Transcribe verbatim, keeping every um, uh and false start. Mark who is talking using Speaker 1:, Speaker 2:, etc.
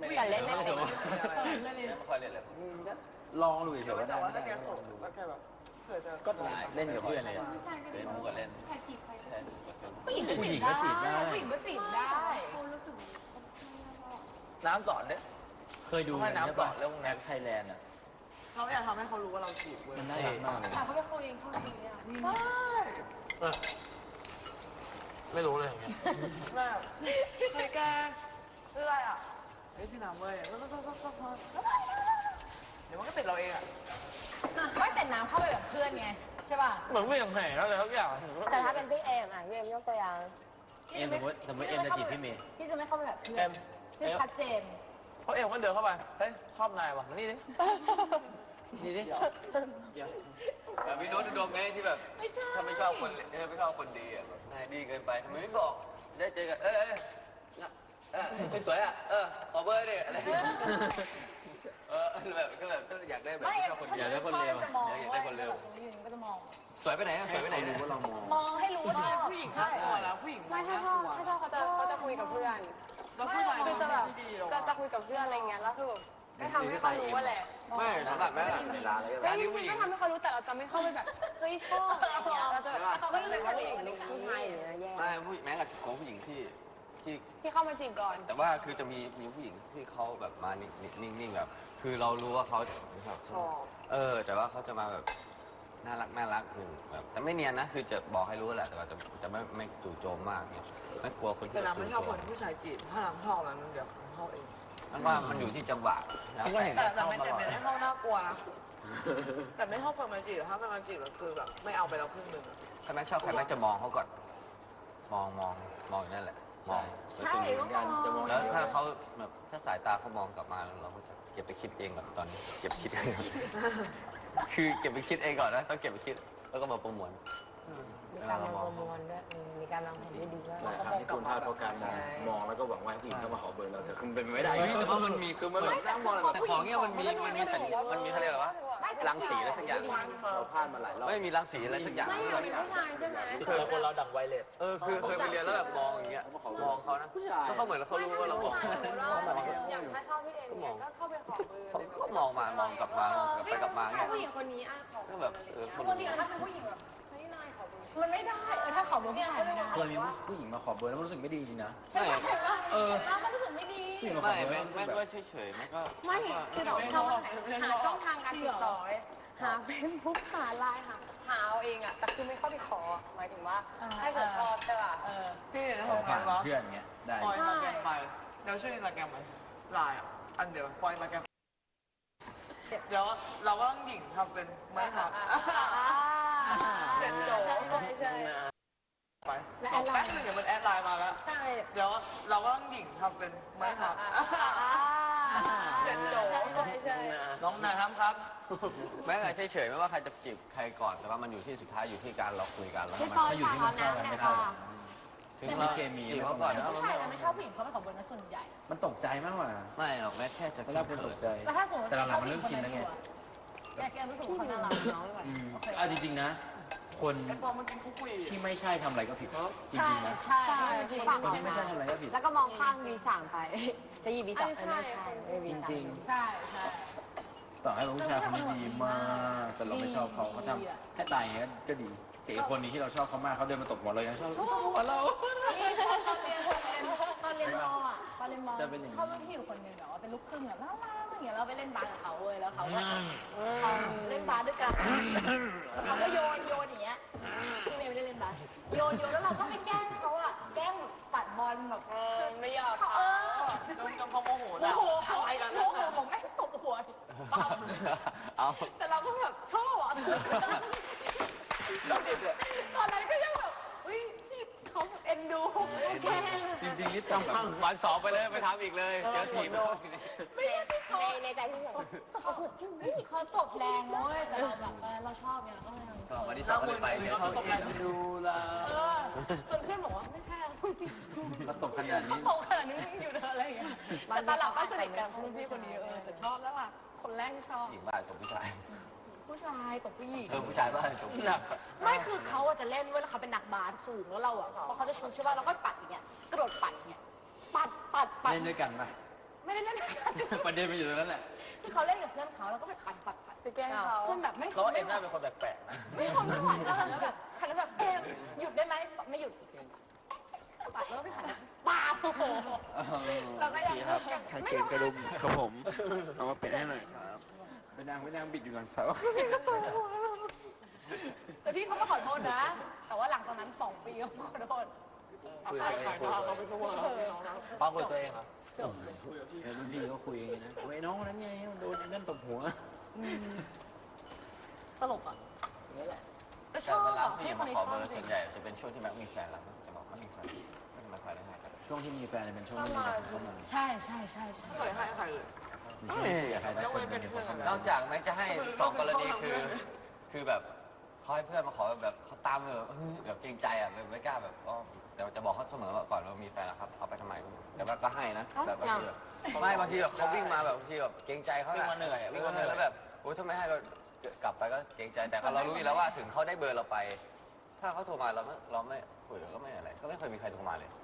Speaker 1: แต่เล่นไม่เป็น
Speaker 2: เล่นไม่ค่อยเล่นเลย
Speaker 3: ลองดูเฉยๆก็ได้
Speaker 4: แต่ว่าถ้าแกส่งแล้วแกแบบเผื่อจะ
Speaker 3: ก็เล่นกับเพื่อนเลย
Speaker 2: เล่นมุกก็เล่น
Speaker 5: ใครจีบใคร
Speaker 2: ใช่
Speaker 5: ผู้หญิงก็
Speaker 3: ผู้หญิ
Speaker 5: จี
Speaker 3: ง
Speaker 5: บ
Speaker 3: ก็จีบได้
Speaker 5: ได้ผู้หญิงก็จีบได้
Speaker 2: น้ำสอนเนี่ย
Speaker 3: เคยดูน้ำสอนเรื่องแอปไทยแลนด์อ่ะ
Speaker 4: เราอยากทำให้เขารู้ว่าเราจีบเว้ย
Speaker 3: มันน่ารักมากเลย
Speaker 5: ถามเขาไปคุยเองคุยจริงเนี่ยนี่
Speaker 4: ไม่รู้เลยอย่างเงี้ยแบบเฮ้ยแกชื่ออะไรอ่ะเฮ้ยชื่อน้ำเว้ยเดี๋ยวมันก็ติดเราเองอ่ะ
Speaker 5: ไม่แต่น้ำเข้าไปกับเพื่อนไงใช่ป่ะ
Speaker 4: เหมือนไม่อย่างแห่แล้วเลยทุกอย่าง
Speaker 1: แต่ถ้าเป็นพี่เอมอ่ะพี่เอมยกตัวอย่าง
Speaker 3: เอ็มสมมติสมมติเอ็มจะจีบพี่เมย์
Speaker 5: พี่จะไม่เข้าไปแบบเพื่อ
Speaker 4: เอ็
Speaker 5: น
Speaker 4: ม
Speaker 5: พี่ชัดเจน
Speaker 4: เพราะเอ็มก็เดินเข้าไปเฮ้ยชอบนายว่ะมานี่ดิ
Speaker 3: นี่ดิ
Speaker 2: แบบพี่โน้ตดวงไงที่แบบ
Speaker 5: ไม่ใช่
Speaker 2: ถ้าไม่ชอบคนถ้าไม่ชอบคนดีอ่ะแบบนายดีเกินไปทำไมไม่บอกได้เจอกันเออเออเออสวยๆอ่ะเออขอเบอร์ดิอะไรเออแบบก็แบบก็อยากได้แบบ
Speaker 5: ไม่
Speaker 2: ชอบคนดี
Speaker 3: อยากได้คนเร็ว
Speaker 5: จะมอง
Speaker 2: อยากได้คนเร็ว
Speaker 5: ก็จะมอง
Speaker 2: สวยไปไหนอะสวยไปไหนเนี่ย
Speaker 3: ว่าเรามอง
Speaker 5: มองให้รู้ว่าชอบ
Speaker 4: ผู้หญิงน่ากลัวแล้วผู้หญิง
Speaker 1: ไม่ถ้าชอบถ้าชอบเขาจะเขาจะคุยกับเพื่อน
Speaker 4: แล้วผู้ชาย
Speaker 1: คือจะแบบจะจะคุยกับเพื่อนอะไรเงี้ยแล้วคือแบบก็ทำให้เขารู้ว่าแหละ
Speaker 2: ไม่สำหรับแม่
Speaker 3: เวลาเลย
Speaker 1: เฮ้ยจริงๆก็ทำให้เขารู้แต่เราจะไม่เข้าไปแบบเฮ้ยชอบอะไรเงี้ยเราจะเขาก็จะเป็นผู้หญิงผู้ชายอยู่นะแย่
Speaker 2: ไม่ผู้แม้กับของผู้หญิงที่ที่
Speaker 1: ที่เข้ามาจีบก่อน
Speaker 2: แต่ว่าคือจะมีมีผู้หญิงที่เขาแบบมานิ่งๆแบบ คือเรารู้ว่าเขาแบบเออ แต่ว่าเขาจะมาแบบน่ารักน่ารักคือแบบแต่ไม่เนียนนะคือจะบอกให้รู้แหละแต่ว่าจะจะไม่ไม่จู่โจมมากเนี่ยไม่กลัวคนที่
Speaker 4: แต่น้ำไม่ชอบคนผู้ชายจีบถ้าน้ำชอบมันเดี๋ยวเข้าเอง
Speaker 2: มันว่ามันอยู่ที่จังหวะแล้ว
Speaker 4: แต่แต่ไม่แต่ไม่ได้เข้าน่ากลัวนะแต่ไม่ชอบคนมาจีบถ้าเป็นมาจีบก็คือแบบไม่เอาไปแล้วครึ่งหนึ่ง
Speaker 2: ถ้าแม่ชอบใครแม่จะมองเขาก่อนมองมองมองอยู่นั่นแหละมอง
Speaker 3: ใช่เหมือนกันจะมอง
Speaker 2: แล้วถ้าเขาแบบถ้าสายตาเขามองกลับมาแล้วเราก็จะเก็บไปคิดเองแบบตอนนี้เก็บคิดเองคือเก็บไปคิดเองก่อนนะต้องเก็บไปคิดแล้วก็มาประมวล
Speaker 1: มีการวางประมวลด้วยมีการวางแผนที่ดีด้วย
Speaker 3: หลายครั้งที่คุณพลาดเพราะการมองมองแล้วก็หวังว่าผู้หญิงเข้ามาขอเบอร์เราแต่คือมันเป็นไม่ได้
Speaker 2: เฮ้ยแต่ว่ามันมีคือมันแบบนั่งมองแต่ของเนี้ยมันมีมันมีสัญญามันมีเขาเรียกว่ารังสีอะไรสักอย่าง
Speaker 3: เราพลาดมาหลายรอบ
Speaker 2: ไม่มีรังสีอะไรสักอย่าง
Speaker 1: ไม่อยากเป็นผู้ชายใช่ไหม
Speaker 3: คือคนเราดังไวเลส
Speaker 2: เออคือเคยไปเรียนแล้วแบบมองอย่างเงี้ยมองเขานะแล้วเขาเหมือนเขารู้ว่าเรามอง
Speaker 1: อย่างถ้าชอบพี่เอ็มเนี่ยก็เข้าไปขอเบอร์
Speaker 2: เขาเขามองมามองกลับมากลับไปกลับมา
Speaker 1: ใช่
Speaker 2: เงี้ย
Speaker 1: ผู้หญิงคนนี้อ่ะขอ
Speaker 2: ก็แบบเออ
Speaker 5: คนดีถ้าเป็นผู้หญิงแบบ
Speaker 1: เฮ้ยนายขอเบอร์
Speaker 5: มันไม่ได้เออถ้าเขาบอกผู้ชายไม่ได้
Speaker 3: เคยมีผู้หญิงมาขอเบอร์แล้วมันรู้สึกไม่ดีจริงนะ
Speaker 5: ใช่ไหม
Speaker 3: เออ
Speaker 5: แล้วมันรู้สึกไม่ดี
Speaker 3: ผู้หญิงมาขอ
Speaker 2: ไม่
Speaker 3: เบอร์
Speaker 2: ไม่
Speaker 3: แล้วรู้สึกแบบ
Speaker 2: ไม่ก็เฉยๆไม่ก็
Speaker 1: ไม่คือแบบช่องหาช่องทางการติดต่อหาเฟซบุ๊กหาไลน์หาหาเอาเองอ่ะแต่คือไม่เข้าไปขอหมายถึงว่าถ้าเกิดชอบใช่ป่ะ
Speaker 5: เออ
Speaker 4: พี่จะ
Speaker 3: ขอ
Speaker 4: ทำ
Speaker 3: ผ่าง
Speaker 4: าน
Speaker 3: น
Speaker 4: วะ
Speaker 3: เพื่อนเงี้ยได้
Speaker 4: ปล่อยมาแกมไปเดี๋ยวช่วยมาแกมไปลายอ่ะอันเดียวปล่อยมาแกมเดี๋ยวเราก็ต้องหญิงทำเป็นไม่หักเสร็จจบ
Speaker 1: ใช่ใช่ใช่
Speaker 4: ไปจบแป๊บนึงเดี๋ยวมันแอดไลน์มาแล้ว
Speaker 1: ใช่
Speaker 4: เดี๋ยวเราก็ต้องหญิงทำเป็นไม่หักเสร็จจบ
Speaker 1: ใช่ใช่ใช่
Speaker 4: น้องนายครับครับ
Speaker 2: แม้แต่เฉยๆไม่ว่าใครจะจีบใครก่อนแต่ว่ามันอยู่ที่สุดท้ายอยู่ที่การเราคุยกันแล้ว
Speaker 1: พี่
Speaker 2: มัน
Speaker 1: ปอนฝากเอาน้ำเนี่ยค่ะ
Speaker 2: ถึงเราจีบเขาก่อนนะ
Speaker 5: ผู้ชายจะไม่ชอบผู้หญิงเขาไม่ขอเบอร์นะส่วนใหญ่
Speaker 3: มันตกใจมากกว่า
Speaker 2: ไม่หรอกแม้แค่จะ
Speaker 3: เวลาคนตกใจ
Speaker 5: แล้วถ้าสมมติ
Speaker 3: แต่หลังๆมันเริ่มชินแล้วไง
Speaker 5: แกแกรู้สึกว่าเขาน่ารักน้อง
Speaker 3: อืมเอาจริงๆนะ คน
Speaker 4: ไอ้ปอมันกินคุกคุย
Speaker 3: ที่ไม่ใช่ทำอะไรก็ผิดจ
Speaker 5: ใช่
Speaker 3: ริงๆนะ
Speaker 5: ใช่
Speaker 3: คนที่ไม่ใช่ทำอะไรก็ผิด
Speaker 1: แล้วก็มองข้ามวีสามไป จะหยิบวีสามไม่ใช่ไม่วี
Speaker 3: จ
Speaker 1: สาม
Speaker 3: ริง
Speaker 5: ใช่ใช่
Speaker 3: ๆ ต่อให้เป็นผู้ชายคนนี้ดีมาก แต่เราไม่ชอบเขาเขาทำให้ตายอย่างเงี้ยก็ดีแต่อีกคนนี้ที่เราชอบเขามากเขาเดินมาตบหัวเรายังชอบตบหัวเรา
Speaker 5: นี่ตอนเรียนตอนเรียนมออ่ะตอนเรียนมอ
Speaker 3: จะเป็นอย่างนี้
Speaker 5: ชอบรุ่นพี่อยู่คนหนึงแบบว่าเป็นลูกครึ่งแบบน่ารักอย่างเงี้ยเราไปเล่นบาสกับเขาเว้ยแล้วเขาก็เขาเล่นบาสด้วยกันเขาก็โยนโยนอย่างเงี้ยพี่เมย์ไม่ได้เล่นบาสโยนโยนแล้วเราก็ไปแกล้งเขาอ่ะแกล้งปัดบอลแบบ
Speaker 1: ไม่ยอม
Speaker 5: เออ
Speaker 4: จนจนเขาโมโห
Speaker 5: โอ้
Speaker 4: แล้ว
Speaker 5: โหอะไรกันโอ้โหผมแม่งตบหัวปั๊บ
Speaker 2: เอา
Speaker 5: แต่เราก็แบบชอบอ่ะตอนนั้นก็ยังแบบเฮ้ยพี่เขาเอ็นดูแกล้ง
Speaker 3: จริงๆนี่ต้องแบบ
Speaker 2: วันสองไปเลยไปทำอีกเลยเจอทีม
Speaker 5: ไม่ใช่ที่เขา
Speaker 1: ในในใจพี่แบบ
Speaker 5: เขาเขาตบแรงนะเว้ยแต่เราแบบเออเราชอบไงเราก็เลยทำ
Speaker 2: ก็วันที่สองก็เลยไปเนี่ย
Speaker 3: เขาเอ็นดูเรา
Speaker 5: เออจนเพื่อนบอกว่าไม่ใช่เรา
Speaker 3: เราตบขนาด
Speaker 5: เขา
Speaker 3: นี้
Speaker 5: ตบขนาดนี้มึงอยู่เธออะไรอย่างเงี้ยแต่ตอนหลังก็สนิทกันรุ่นพี่คนนี้เออแต่ชอบแล้วล่ะคนแรกที่ชอบ
Speaker 2: หญิงบ้ากับผู้ชาย
Speaker 5: ผู้ชายตบผู้หญิง
Speaker 2: เออผู้ชายบ้ากับผู้หญิง
Speaker 5: ไม่คือเขาอะจะเล่นเว้ยแล้วเขาเป็นนักบาสสูงแล้วเราอะพอเขาจะชุดใช่ป่ะเราก็ปัดอย่างเงี้ยกระโดดปัดอย่างเงี้ยปัดปัดปัด
Speaker 3: เล่นด้วยกันปะ
Speaker 5: ไม่ได้เล่นด้วยกัน
Speaker 3: ประเด็นมันอยู่ตรงนั้นแหละ
Speaker 5: คือเขาเล่นกับเพื่อนเขาแล้วก็ไปปัดปัดปัด
Speaker 1: ไปแกล้งเขา
Speaker 5: จนแบบไม่
Speaker 6: แล้วเอ็มน่าเป็นคนแปลกๆนะ
Speaker 5: ไม่ทนไม่ไหวแล้วแล้วแบบหันแล้วแบบเอ็มหยุดได้ไหมไม่หยุดปัดแล้วก็ไปหันบ้าโอ้โหเราก็ยัง
Speaker 7: ครับกางเกงกระดุมครับผมเอามาเปลี่ยนให้หน่อยครับ
Speaker 3: ไปนั่งไปนั่งบิดอยู่หลังเสา
Speaker 5: แต่พี่เขามาขอโทษนะ แต่ว่าหลังจากนั้นสองปีเขาขอโทษ
Speaker 6: คุยตัวเองคุยตัวเองป้าคุยตัวเองเหรอ
Speaker 5: จบ
Speaker 3: เออรุ่นพี่ก็คุยอย่างนี้นะโอ้ยน้องคนนั้นไงมันโดนไอ้นั่นตบหัว
Speaker 5: ตลกอ่ะนี่แหละแต่ช
Speaker 2: แต่
Speaker 5: อบ
Speaker 2: เวลา
Speaker 5: อ่ะ
Speaker 2: ผู้ห
Speaker 5: พี่
Speaker 2: ญิง
Speaker 5: คน
Speaker 2: มา
Speaker 5: นี้
Speaker 2: ขอ
Speaker 5: ชอ
Speaker 2: เบบ อร์
Speaker 5: จริ
Speaker 2: ส่
Speaker 5: ง
Speaker 2: วนใหญ่จะเป็นช่วงที่แม็กมีแฟนแล้วจะบอกไม่มีแฟนไม่ทำไมใครได้ให้กัน
Speaker 3: ช่วงที่มีแฟนเป็นช่วงที่มีแต่คนเข้ามา
Speaker 5: ใช่ใช่ใช่ใช่
Speaker 4: ไม่เคยให้ใครเลย
Speaker 3: ในช่วงที่คุยกับใครได้คนเป็นคนเข้ามาน
Speaker 2: อกจากแม็กจะให้สองกรณีคือ คือแบบเขาให้เพื่อนมาขอแบบเขาตามเลยแบบแบบเกรงใจอ่ะไม่กล้าแบบก็เดี๋ยวจะบอกเขาเสมอว่าก่อนว่ามีแฟนแล้วครับเอาไปทำไมแต่ว่าก็ให้นะแบบก็คือไม่บางทีแบบเขาวิ่งมาแบบบางทีแบบเกรงใจเขา
Speaker 6: วิ่งมาเหนื่อยอะวิ่งมาเหนื่อย
Speaker 2: แล้วแบบโอ้ยถ้าไม่ให้ก็กลับไปก็เกรงใจแต่เรารู้อยู่แล้วว่าถึงเขาได้เบอร์เราไป ถ้าเขาโทรมาเราไม่เราไม่คุยเราก็ไม่อะไรก็ไม่เคยมีใครโทรมาเลย